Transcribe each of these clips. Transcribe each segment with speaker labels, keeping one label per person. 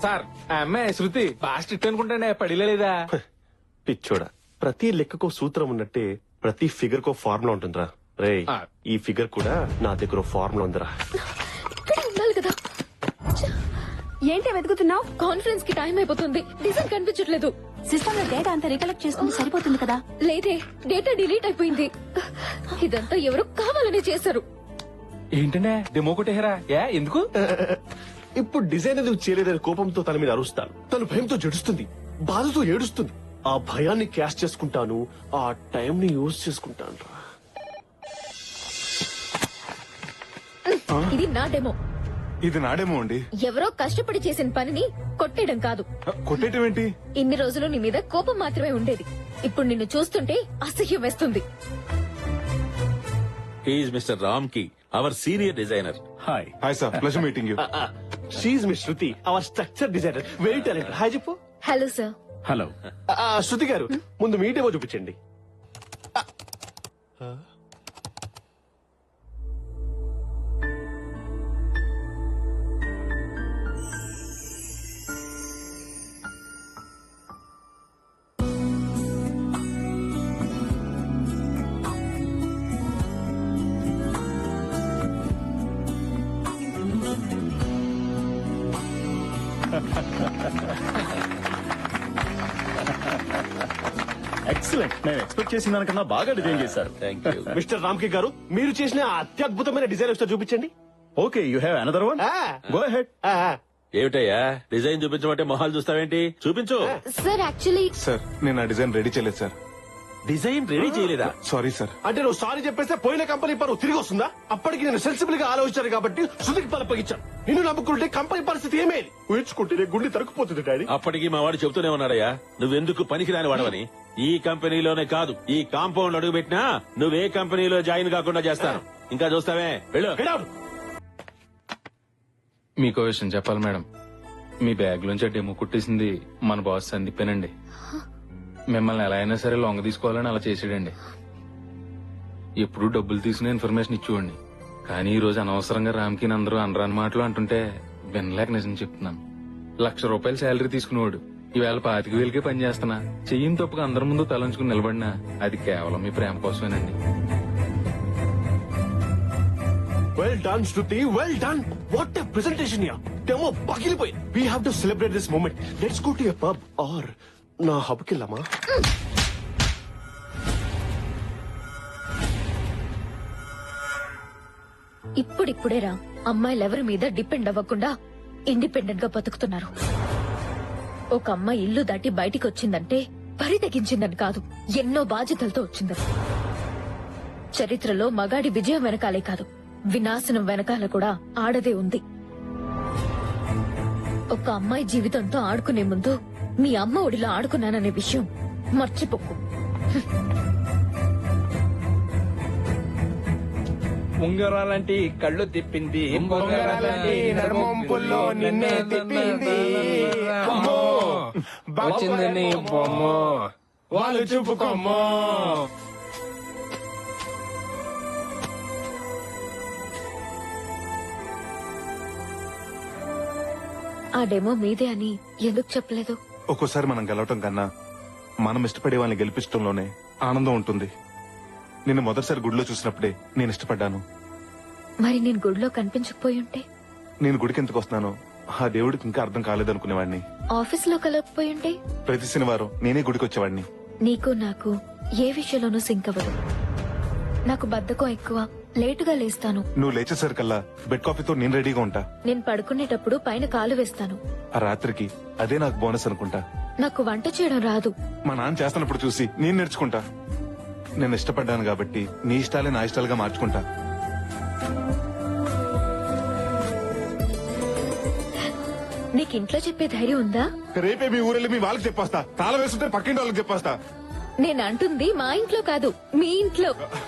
Speaker 1: Sir ఆ అమ్మాయి శృతి బాగా స్ట్రిక్ట్ అనుకుంటానే పడిలేదా?
Speaker 2: పిచ్చోడా, ప్రతి లెక్కకో సూత్రం ఉన్నట్టే ప్రతి ఫిగర్ కో ఫార్ములా ఉంటుందిరా. రే ఈ ఫిగర్ కూడా నా దగ్గర ఫార్ములా ఉందిరా.
Speaker 3: ఇక్కడే ఉండాలి కదా. ఏంటి వెతుకుతున్నావు? కాన్ఫరెన్స్ కి టైం అయిపోతుంది. డిజైన్ కనిపించట్లేదు.
Speaker 4: సిస్టమ్ లో డేటా అంతా రికలెక్ట్ చేసుకుంటే సరిపోతుంది కదా.
Speaker 3: లేదే, డేటా డిలీట్ అయిపోయింది. ఇదంతా ఎవరు కావాలని చేశారు.
Speaker 1: ఏంటనే డెమో కొట్టేహరా? ఎందుకు?
Speaker 2: ఇప్పుడు డిజైన్ ఎందుకు చేయలేదని కోపంతో తన మీద అరుస్తాను. తను భయంతో జడుస్తుంది, బాధతో ఏడుస్తుంది. ఆ భయాన్ని క్యాష్ చేసుకుంటాను, ఆ టైం ని యూజ్ చేసుకుంటాను రా.
Speaker 3: ఇది నా డెమో.
Speaker 5: ఇది నాడేమో అండి.
Speaker 3: ఎవరో కష్టపడి చేసిన పనిని కొట్టేయడం కాదు.
Speaker 5: కొట్టేయటం ఏంటి?
Speaker 3: ఇన్ని రోజులు నీ మీద కోపం మాత్రమే ఉండేది. ఇప్పుడు నిన్ను చూస్తుంటే అసహ్యం వేస్తుంది.
Speaker 6: He is Mr. Ramki, our senior designer.
Speaker 5: Hi sir, pleasure meeting you.
Speaker 2: She Miss Shruti, our structure designer, very talented. Hi చెప్పు.
Speaker 3: Hello sir.
Speaker 5: Hello.
Speaker 2: Shruti garu, ముందు మీ డెమో చూపించండి.
Speaker 7: ఎక్సలెంట్. నేను ఎక్స్పెక్ట్ చేసిన దానికన్నా బాగా డిజైన్ చేశారు.
Speaker 6: Thank you.
Speaker 2: మిస్టర్ రామ్కి గారు, మీరు చేసిన ఆ అత్యద్భుతమైన డిజైన్ ఒకసారి చూపించండి.
Speaker 7: Okay, you have another one. Go ahead.
Speaker 6: ఏమిటయ్యా డిజైన్ చూపించమంటే మొహాలు చూస్తావేంటి? చూపించు.
Speaker 3: సార్ యాక్చువల్లీ
Speaker 5: సార్, నేను ఆ డిజైన్ రెడీ చేయలేదు సార్.
Speaker 6: డిజైన్ రెడీ చేయలేదా?
Speaker 5: Sorry sir.
Speaker 2: అంటే నువ్వు సారీ చెప్పేస్తే పోయిన కంపెనీ పరువు తిరిగి వస్తుందా? అప్పటికి నేను సెన్సిబుల్ గా ఆలోచించాను కాబట్టి శృతికి పలపగించాను. నిన్ను నమ్ముకుంటే కంపెనీ పరిస్థితి ఏమేది? ఊహించుకుంటే గుండె తరుక్కుపోతుంది డాడీ.
Speaker 6: అప్పటికి మా వాడు చెబుతూనే ఉన్నాడయ్యా, నువ్వెందుకు పనికిరాని వాడవని. ఈ కంపెనీలోనే కాదు, ఈ కాంపౌండ్ అడుగు పెట్టినా నువ్వే కంపెనీలో జాయిన్ కాకుండా చేస్తాను. ఇంకా చూస్తావే, వెళ్ళు.
Speaker 2: Get out.
Speaker 1: మీకో విషయం చెప్పాలి మేడం. మీ బ్యాగ్ లోంచి డెమో కుట్టేసింది మన బాస్ సందీపేనండి. మిమ్మల్ని ఎలా అయినా సరే లొంగ తీసుకోవాలని అలా చేసాడండి. ఎప్పుడు డబ్బులు తీసుకునే ఇన్ఫర్మేషన్ ఇచ్చేవాడిని. కానీ ఈ రోజు అనవసరంగా రామ్కి అందరూ అనరాని మాటలు అంటుంటే వినలేక నిజం చెప్తున్నాను. ₹1,00,000 శాలరీ తీసుకునేవాడు ఈవేళ 25,000కే పని చేస్తున్నా. చెయ్యిని తప్పుగా అందరి ముందు తలంచుకుని నిలబడినా అది కేవలం మీ ప్రేమ కోసమేనండి.
Speaker 2: Well done, Shruti. Well done. What a presentation here. Demo పగిలిపోయింది. We have to celebrate this moment. Let's go to a pub or నా హబ్కి వెళ్దామా?
Speaker 3: ఇప్పుడిప్పుడేరా అమ్మాయిలు ఎవరి మీద డిపెండ్ అవ్వకుండా ఇండిపెండెంట్ గా బతుకుతున్నారు. ఒక అమ్మాయి ఇల్లు దాటి బయటికి వచ్చిందంటే పరి తెగించిందని కాదు, ఎన్నో బాధ్యతలతో వచ్చిందని. చరిత్రలో మగాడి విజయం వెనకాలే కాదు, వినాశనం వెనకాల కూడా ఆడదే ఉంది. ఒక అమ్మాయి జీవితంతో ఆడుకునే ముందు మీ అమ్మ ఒడిలో ఆడుకున్నాననే విషయం మర్చిపోకు.
Speaker 1: ఉంగరాలంటి కళ్ళు తిప్పింది, ఉంగరాలంటి నడుమొంపుల్లో నిన్నే తిప్పింది. అమ్మో వచ్చింది నీ బొమ్మ, వాళ్ళు చూపుకోమ్మో.
Speaker 3: ఆ డెమో మీదే అని ఎందుకు చెప్పలేదు?
Speaker 5: ఒక్కోసారి మనం గెలవటం కన్నా మనం ఇష్టపడే వాళ్ళని గెలిపించడంలోనే ఆనందం ఉంటుంది. నిన్ను మొదటిసారి గుడిలో చూసినప్పుడే నేను ఇష్టపడ్డాను.
Speaker 3: మరి నేను గుడిలో కనిపించకపోయి ఉంటే?
Speaker 5: నేను గుడికి ఎందుకు వస్తున్నానో ఆ దేవుడికి ఇంకా అర్థం కాలేదనుకునేవాడిని.
Speaker 3: ఆఫీస్ లో కలగకపోయి ఉంటే?
Speaker 5: ప్రతి శనివారం నేనే గుడికి వచ్చేవాడిని.
Speaker 3: నీకు నాకు ఏ విషయంలోనూ సింక్ అవ్వదు. నాకు బద్ధకం ఎక్కువ, లేటుగా లేస్తాను.
Speaker 5: నువ్వు లేచేసరికల్లా బెడ్ కాఫీతో నేను రెడీగా ఉంటా.
Speaker 3: నేను పడుకునేటప్పుడు పైన కాలు వేస్తాను.
Speaker 5: ఆ రాత్రికి అదే నాకు బోనస్ అనుకుంటా.
Speaker 3: నాకు వంట చేయడం రాదు.
Speaker 5: మా నాన్న చేస్తున్నప్పుడు చూసి నేను నేర్చుకుంటా. నేను ఇష్టపడ్డాను కాబట్టి నీ ఇష్టాలే నా ఇష్టాలుగా మార్చుకుంటా.
Speaker 3: నీకు ఇంట్లో చెప్పే ధైర్యం ఉందా?
Speaker 5: రేపే మీ ఊరెళ్ళి మీ వాళ్ళకి చెప్పేస్తా. తాళం వేస్తుంటే పక్కింటి వాళ్ళకి చెప్పేస్తా.
Speaker 3: నేను అంటుంది మా ఇంట్లో కాదు, మీ ఇంట్లో.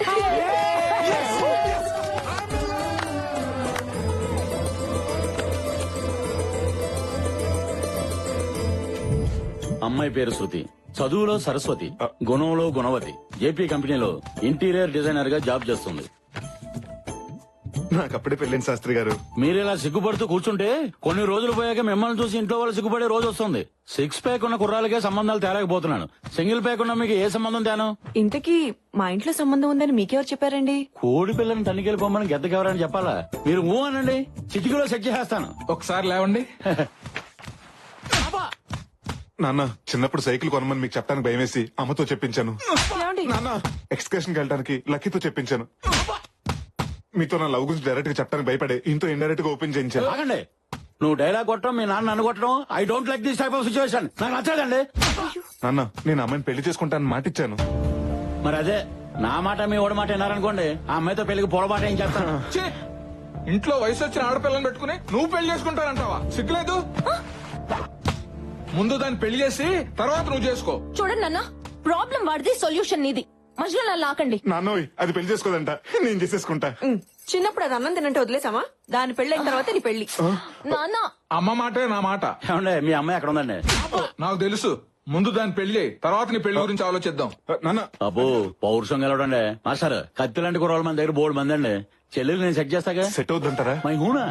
Speaker 7: అమ్మాయి పేరు శృతి, చదువులో సరస్వతి, గుణంలో గుణవతి. జేపీ కంపెనీలో ఇంటీరియర్ డిజైనర్ గా జాబ్ చేస్తుంది.
Speaker 5: నాకు అప్పుడే పెళ్ళింది శాస్త్రి గారు.
Speaker 8: మీరు ఇలా సిగ్గుపడుతూ కూర్చుంటే కొన్ని రోజులు పోయాక మిమ్మల్ని చూసి ఇంట్లో వాళ్ళు సిగ్గుపడే రోజు వస్తుంది. 6 ప్యాక్ ఉన్న కుర్రాలకే సంబంధాలు తేలేకపోతున్నాను. సింగిల్ ప్యాక్ ఉన్న మీకు ఏ సంబంధం తేను?
Speaker 4: ఇంతకీ మా ఇంట్లో సంబంధం ఉందని మీకెవరు చెప్పారండి?
Speaker 8: కోడి పిల్లని తనిఖీలు పొమ్మని గెద్దకెవరని చెప్పాలా? మీరు ఊ అనండి, చిటికీలో సెట్ చేసేస్తాను.
Speaker 1: ఒకసారి లేవండి.
Speaker 5: నాన్న చిన్నప్పుడు సైకిల్ కొనమని మీకు చెప్పడానికి భయమేసి అమ్మతో చెప్పించాను. నాన్న ఎక్స్కర్షన్ వెళ్ళడానికి లక్కీతో చెప్పించాను. మీతో నా లవ్ గురించి డైరెక్ట్ గా చెప్పడానికి భయపడే ఇంతో ఇండైరెక్ట్ గా ఓపెన్ చేయించాను.
Speaker 8: ఆగండి, నువ్వు డైలాగ్ కొట్టడం, మీ నాన్న నన్ను కొట్టడం, I don't like this type of situation. నాకు నచ్చదండి.
Speaker 5: నాన్న నేను అమ్మాయిని పెళ్లి చేసుకుంటానని మాట ఇచ్చాను.
Speaker 8: మరి అదే నా మాట మీ ఓడి మాట విన్నారనుకోండి, ఆ అమ్మాయితో పెళ్లికి పొరపాట ఏం చేస్తాను.
Speaker 1: ఇంట్లో వయసు వచ్చిన ఆడపిల్లని పెట్టుకుని నువ్వు పెళ్లి చేసుకుంటానంటావా? సిగ్గులేదు? ముందు దాన్ని పెళ్లి చేసి తర్వాత నువ్వు చేసుకో.
Speaker 3: చూడండి నాన్న, ప్రాబ్లం వాడిది, సొల్యూషన్ నీది. మధ్యలో నన్ను లాకండి.
Speaker 5: నాన్నోయ్ అది పెళ్లి చేసుకోదంట, నేను చేసేసుకుంటా.
Speaker 4: చిన్నప్పుడు అది అన్నం తినంటే వదిలేసామా? దాని పెళ్ళైన తర్వాత నీ పెళ్లి.
Speaker 3: నాన్న,
Speaker 1: అమ్మ మాటే నా మాట.
Speaker 8: ఏమండి మీ అమ్మాయి ఎక్కడ ఉందండి?
Speaker 1: నాకు తెలుసు. ముందు దాన్ని పెళ్లి చేయి, తర్వాత నీ పెళ్లి గురించి ఆలోచిద్దాం.
Speaker 5: నాన్న
Speaker 8: అబ్బో పౌరుషం గెలవడండి. మాస్టర్ కత్తి లాంటి కుర్రోళ్ళ మన దగ్గర బోర్డు మంది అండి. చెల్లెలు నేను సెట్ చేస్తాగా.
Speaker 5: సెట్ అవుతుంటారా?
Speaker 8: మై హూనా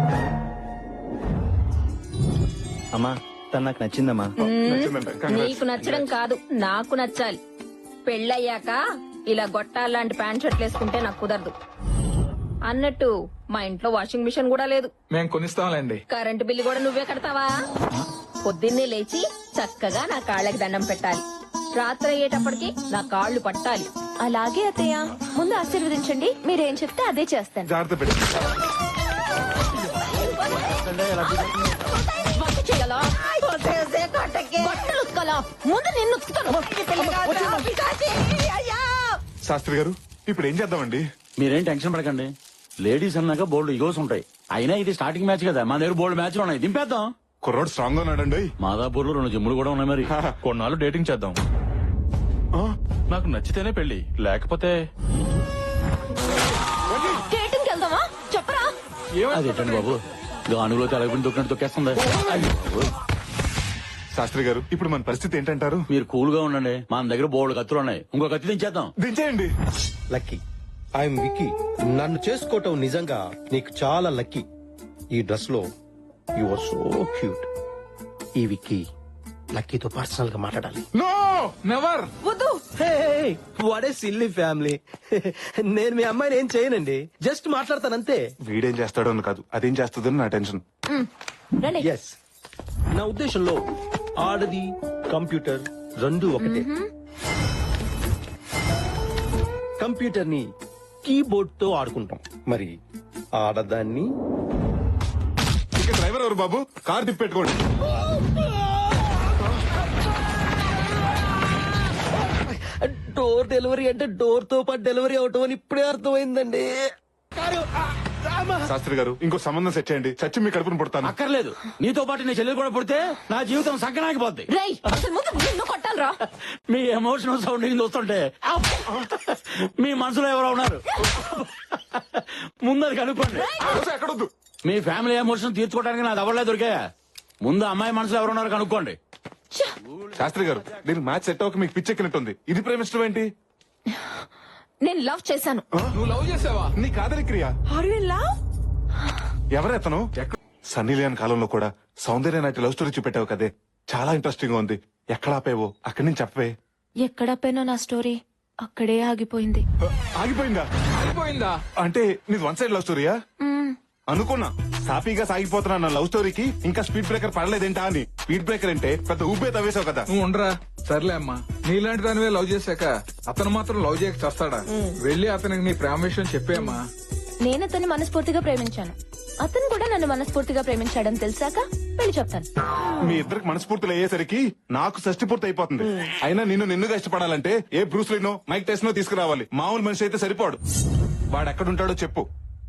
Speaker 7: అమ్మా తను నాకు నచ్చిందమ్మా.
Speaker 5: నచ్చిందంట. Congrats.
Speaker 3: నీకు నచ్చడం కాదు, నాకు నచ్చాలి. పెళ్ళయ్యాక ఇలా గొట్టాలాంటి ప్యాంట్ షర్ట్లు వేసుకుంటే నాకు కుదరదు. అన్నట్టు మా ఇంట్లో వాషింగ్ మిషన్ కూడా లేదు.
Speaker 1: మేము కొనిస్తాంలేండి.
Speaker 3: కరెంటు బిల్లు కూడా నువ్వే కడతావా? పొద్దున్నే లేచి చక్కగా నా కాళ్ళకి దండం పెట్టాలి. రాత్రి అయ్యేటప్పటికి నా కాళ్ళు పట్టాలి. అలాగే అత్తయ్య, ముందు ఆశీర్వదించండి. మీరేం చెప్తే అదే చేస్తాను.
Speaker 5: జాగ్రత్త పెట్టి
Speaker 3: వంట చేయాలా? బట్టలు ఉతకాలా? ముందు నిన్ను ఉతుకుతాను.
Speaker 5: శాస్త్రి గారు ఇప్పుడు ఏం చేద్దామండి?
Speaker 8: మీరేం టెన్షన్ పడకండి. లేడీస్ అన్నాక బోల్డ్ ఇగోస్ ఉంటాయి. అయినా ఇది స్టార్టింగ్ మ్యాచ్ కదా, మా దగ్గర బోల్డ్ మ్యాచ్లు ఉన్నాయి. దింపేద్దాం.
Speaker 5: కుర్రోడు స్ట్రాంగ్ గా ఉన్నాడండి.
Speaker 8: మాదాపూర్ లో 2 జిమ్ములు కూడా ఉన్నాయి. మరి
Speaker 1: కొన్నాళ్ళు డేటింగ్ చేద్దాం. నాకు నచ్చితేనే పెళ్లి, లేకపోతే
Speaker 3: డేటింగ్కి వెళ్దామా? చెప్పరా?
Speaker 8: అదేంటండి బాబు, గానుగులో తెలగకుండా దొక్కినట్టు తొక్కేస్తుంది.
Speaker 5: శాస్త్రి గారు ఇప్పుడు మన పరిస్థితి ఏంటంటారు?
Speaker 8: మీరు కూల్ గా ఉండండి. మన దగ్గర బోల్డ్ కత్తులు ఉన్నాయి. ఇంకో కత్తి దించేద్దాం.
Speaker 5: దించేయండి.
Speaker 9: లక్కీ, ఐఎమ్ విక్కీ. నన్ను చేసుకోవటం నిజంగా నీకు చాలా లక్కీ. ఈ డ్రెస్ లో యు ఆర్ సో క్యూట్. ఈ విక్కీ లక్కీతో పర్సనల్ గా మాట్లాడాలి.
Speaker 1: No never.
Speaker 3: వద్దు.
Speaker 9: What a silly family. నేను మీ అమ్మాయిని ఏం చేయనండి, జస్ట్ మాట్లాడతానంతే.
Speaker 5: వీడేం చేస్తాడో అని కాదు, అదేం చేస్తుందని నా టెన్షన్.
Speaker 3: రండి.
Speaker 9: ఎస్, నా ఉద్దేశంలో ఆడది కంప్యూటర్ రెండు ఒకటే. కంప్యూటర్ ని కీబోర్డ్ తో ఆడుకుంటాం, మరి ఆడదాన్ని
Speaker 5: ఇక డ్రైవర్ ఎవరు బాబు? కార్ తిప్పెట్టుకోండి.
Speaker 9: డోర్ డెలివరీ అంటే డోర్ తో పాటు డెలివరీ అవటం అని ఇప్పుడే అర్థమైందండి.
Speaker 5: శాస్త్రి గారు ఇంకో సంబంధం సెట్ చేయండి, చచ్చి మీ కడుపును పుడతాను.
Speaker 8: అక్కర్లేదు, నీతో పాటు నీ చెల్లెలు కూడా పుడితే నా జీవితం సంకనాగిపోద్ది.
Speaker 3: రేయ్, అసలు ముందు నిన్ను కొట్టాలరా?
Speaker 8: మీ ఎమోషనల్ సౌండింగ్ చూస్తుంటే మీ మనసులో ఎవరో ఉన్నారు. ముందు అది కనుక్కోండి.
Speaker 5: ఎక్కడొద్దు.
Speaker 8: మీ ఫ్యామిలీ ఎమోషన్ తీర్చుకోవడానికి నా దవడలే దొరికాయా? ముందు అమ్మాయి మనసులో ఎవరు ఉన్నారు కనుక్కోండి.
Speaker 5: శాస్త్రి గారు దీనికి మ్యాచ్ సెట్ అవ్వక మీకు పిచ్చెక్కినట్టుంది. ఇది ప్రేమిష్టం ఏంటి?
Speaker 3: నేను లవ్ చేశాను.
Speaker 1: నువ్వు లవ్ చేసావా?
Speaker 5: నీ కాదలి క్రియ. ఎవరెతను? సన్నీ లియోన్ కాలంలో కూడా సౌందర్య నాటి లవ్ స్టోరీ చూపెట్టావు కదే, చాలా ఇంట్రెస్టింగ్ గా ఉంది. ఎక్కడ ఆపేవో అక్కడి నుంచి చెప్పవే.
Speaker 3: ఎక్కడపైనా నా స్టోరీ అక్కడే ఆగిపోయింది.
Speaker 5: ఆగిపోయిందా?
Speaker 1: అయిపోయిందా?
Speaker 5: అంటే నీది వన్ సైడ్ లవ్ స్టోరీయా? అనుకున్నా సాఫీగా సాగిపోతున్నా నా లవ్ స్టోరీకి ఇంకా స్పీడ్ బ్రేకర్ పడలేదేంటా అని. స్పీడ్ బ్రేకర్ అంటే పెద్ద ఊపే తవ్వేశావు కదా.
Speaker 1: నువ్వు ఉండరా. సర్లే అమ్మా, నీలాంటి దానివే లవ్ చేశాక అతను మాత్రం లవ్ చేయక చేస్తాడా? వెళ్ళి అతనికి నీ ప్రేమ విషయం చెప్పేమ్మా.
Speaker 3: నేను అతన్ని మనస్ఫూర్తిగా ప్రేమించాను, అతను కూడా నన్ను మనస్ఫూర్తిగా ప్రేమించాడని తెలిసాక పెళ్లి చెప్తాను.
Speaker 5: మీ ఇద్దరికి మనస్ఫూర్తులు అయ్యేసరికి నాకు షష్టి పూర్తి అయిపోతుంది. అయినా నిన్నుగా ఇష్టపడాలంటే ఏ బ్రూస్ లీనో మైక్ టెస్నో తీసుకురావాలి. మామూలు మనిషి అయితే సరిపోడు. వాడెక్కడుంటాడో చెప్పు.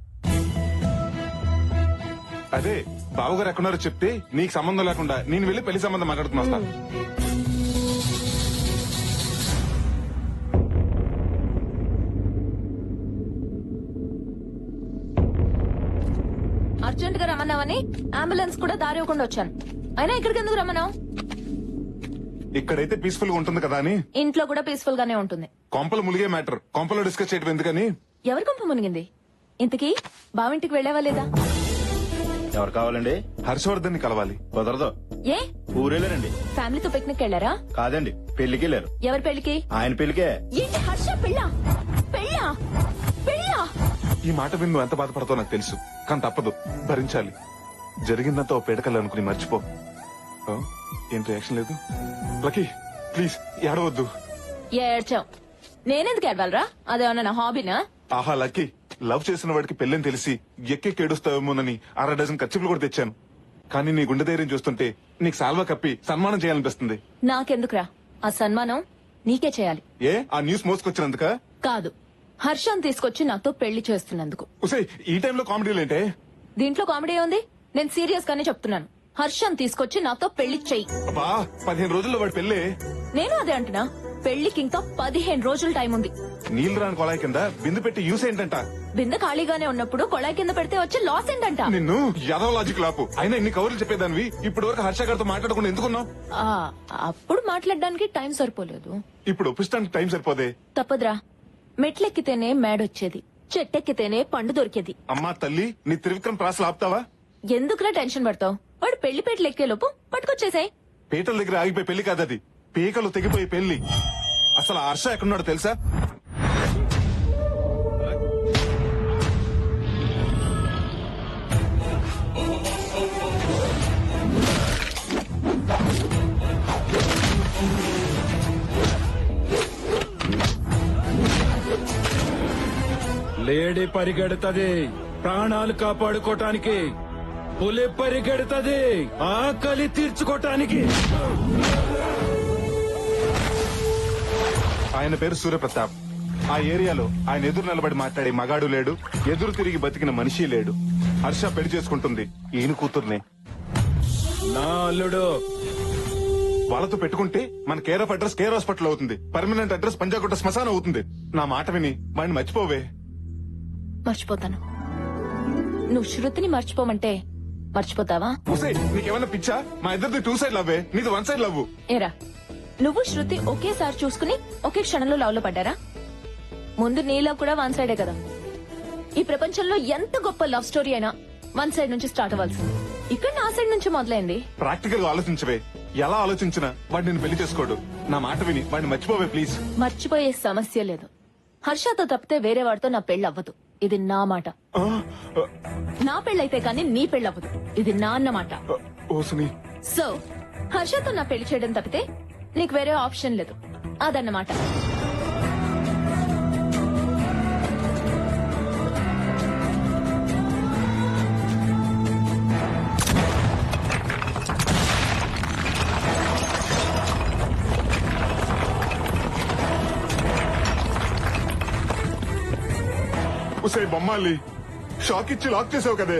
Speaker 5: అదే బావగారు ఎక్కడున్నారో చెప్తే నీకు సంబంధం లేకుండా నేను వెళ్ళి పెళ్లి సంబంధం మాట్లాడుతున్నా వస్తా.
Speaker 3: అర్జెంట్ గా రమ్మన్నావని అంబులెన్స్ కూడా దారి ఇవ్వకుండా వచ్చాను. అయినా ఇక్కడికి ఎందుకు రమ్మన్నావు?
Speaker 5: ఇక్కడైతే పీస్ఫుల్ గా ఉంటుంది కదా అని.
Speaker 3: ఇంట్లో కూడా పీస్ఫుల్ గానే ఉంటుంది.
Speaker 5: కొంపలు ములిగే మ్యాటర్ కొంపలో డిస్కస్ చేయడం ఎందుకని.
Speaker 3: ఎవరి కొంప మునిగింది?
Speaker 4: ఇంతకీ బావింటికి వెళ్ళావా లేదా?
Speaker 7: ఎవరు కావాలండి?
Speaker 5: హర్షవర్ధన్ ని కలవాలి.
Speaker 7: కుదరదు.
Speaker 4: ఏ
Speaker 7: ఊరేలేరండి.
Speaker 4: ఫ్యామిలీతో పిక్నిక్ వెళ్ళారా?
Speaker 7: కాదండి, పెళ్లికి వెళ్ళారు.
Speaker 4: ఎవరి పెళ్లికి?
Speaker 7: ఆయన పెళ్లికే.
Speaker 4: ఏంటి హర్ష పెళ్ళా? పెళ్ళా? పెళ్ళా?
Speaker 5: ఈ మాట విని నువ్వు ఎంత బాధపడతావు నాకు తెలుసు, కానీ తప్పదు, భరించాలి. జరిగిందంతా ఓ పేడకల్లు అనుకుని మర్చిపో. ఆ? ఏం రియాక్షన్ లేదు? లక్కీ ప్లీజ్ ఏడవద్దు.
Speaker 4: ఏడ్చావు. నేనెందుకు ఏడవాలరా? అదేమన్నా నా హాబీనా?
Speaker 5: ఆహా లక్కీ, లవ్ చేసిన వాడికి పెళ్ళని తెలిసి ఎక్కెక్కి ఏడుస్తావేమోనని 6 డజన్ ఖర్చులు కూడా తెచ్చాను. కానీ నీ గుండె ధైర్యం చూస్తుంటే నీకు సాల్వా కప్పి సన్మానం చేయాలనిపిస్తుంది.
Speaker 4: నాకెందుకురా ఆ సన్మానం? నీకే చేయాలి.
Speaker 5: ఏ ఆ న్యూస్ మోసుకొచ్చినందుక?
Speaker 4: కాదు, హర్షం తీసుకొచ్చి నాతో పెళ్లి చేస్తున్నందుకు.
Speaker 5: ఉసే ఈ టైంలో కామెడీలు
Speaker 4: దీంట్లో కామెడీ ఉంది? నేను సీరియస్ గానే చెప్తున్నాను. హర్షం తీసుకొచ్చి నాతో పెళ్లి చెయ్యి.
Speaker 5: అబ్బా 15 రోజుల్లో వాడి పెళ్ళే.
Speaker 4: నేను అదే అంటున్నా, పెళ్లికి ఇంకా 15 రోజులు టైం ఉంది.
Speaker 5: నీళ్లు రాని కొలాయి కింద బిందు పెట్టి యూస్ ఏంటంట?
Speaker 4: బిందె ఖాళీగానే ఉన్నప్పుడు కొళాయి కింద పెడితే వచ్చే లాస్ ఏంటంట?
Speaker 5: నిన్ను యాదవ లాజిక్ లాపు. అయినా ఇన్ని కవర్లు చెప్పేదానివి ఇప్పటి వరకు హర్ష గారితో మాట్లాడకుండా ఎందుకున్నావు?
Speaker 4: ఆ, అప్పుడు మాట్లాడడానికి టైం సరిపోలేదు.
Speaker 5: ఇప్పుడు ఒప్పిస్తానికి టైం సరిపోదే.
Speaker 4: తప్పదురా, మెట్లెక్కితేనే మేడొచ్చేది, చెట్టెక్కితేనే పండు దొరికేది.
Speaker 5: అమ్మా తల్లి, నీ త్రివిక్రమ్ ప్రాసలు ఆపుతావా?
Speaker 4: ఎందుకురా టెన్షన్ పడతావు? వాడు పెళ్లి పేటలు ఎక్కే లోపు పట్టుకొచ్చేసాయి.
Speaker 5: పీటల దగ్గర ఆగిపోయి పెళ్లి కాదది, పీకలు తెగిపోయి పెళ్లి. అసలు ఆ హర్ష ఎక్కడున్నాడో తెలుసా?
Speaker 8: లేడీ పరిగెడుతుంది ప్రాణాలు కాపాడుకోటానికి, పులి పరిగెడుతుంది ఆకలి తీర్చుకోటానికి.
Speaker 5: ఆయన పేరు సూర్యప్రతాప్. ఆ ఏరియాలో ఆయన ఎదురు నిలబడి మాట్లాడే మగాడు లేడు, ఎదురు తిరిగి బతికిన మనిషి లేడు. హర్ష పెళ్లి చేసుకుంటుంది ఈయన కూతుర్నే.
Speaker 8: నా అల్లుడు
Speaker 5: వాళ్ళతో పెట్టుకుంటే మన care of address care hospital అవుతుంది, పర్మనెంట్ అడ్రస్ పంజాగుట్ట శ్మశానం అవుతుంది. నా మాట విని వాడిని మర్చిపోవే.
Speaker 4: మర్చిపోతాను. నువ్వు శృతిని మర్చిపోమంటే మర్చిపోతావా?
Speaker 5: ఉసే నీకేమన్నా పిచ్చా? మా ఇద్దరిది 2 సైడ్ లవ్వే, నీది 1 సైడ్ లవ్.
Speaker 4: ఏరా, నువ్వు శృతి ఒకేసారి చూసుకుని ఒకే క్షణంలో లవ్ లో పడ్డారా? ముందు నీ లవ్ కూడా 1 సైడే కదా. ఈ ప్రపంచంలో ఎంత గొప్ప లవ్ స్టోరీ అయినా 1 సైడ్ నుంచి స్టార్ట్ అవ్వాల్సింది. ఇక్కడ నా సైడ్ నుంచి మొదలైంది.
Speaker 5: ప్రాక్టికల్ గా ఆలోచించవే. ఎలా ఆలోచించినా వాడు నేను పెళ్లి చేసుకోడు. నా మాట విని వాడిని మర్చిపోవే ప్లీజ్.
Speaker 4: మర్చిపోయే సమస్య లేదు. హర్షతో తప్పితే వేరే వాడితో నా పెళ్లి అవ్వదు. ఇది నా మాట. నా పెళ్ళైతే కానీ నీ పెళ్లి అవ్వదు. ఇది నా అన్నమాట.
Speaker 5: ఓసుని,
Speaker 4: సో హర్షతో నా పెళ్లి చేయడం తప్పితే నీకు వేరే ఆప్షన్ లేదు. అదన్నమాట.
Speaker 5: ఉసే బొమ్మాలి, షాక్ ఇచ్చి లాక్ చేసావు కదే.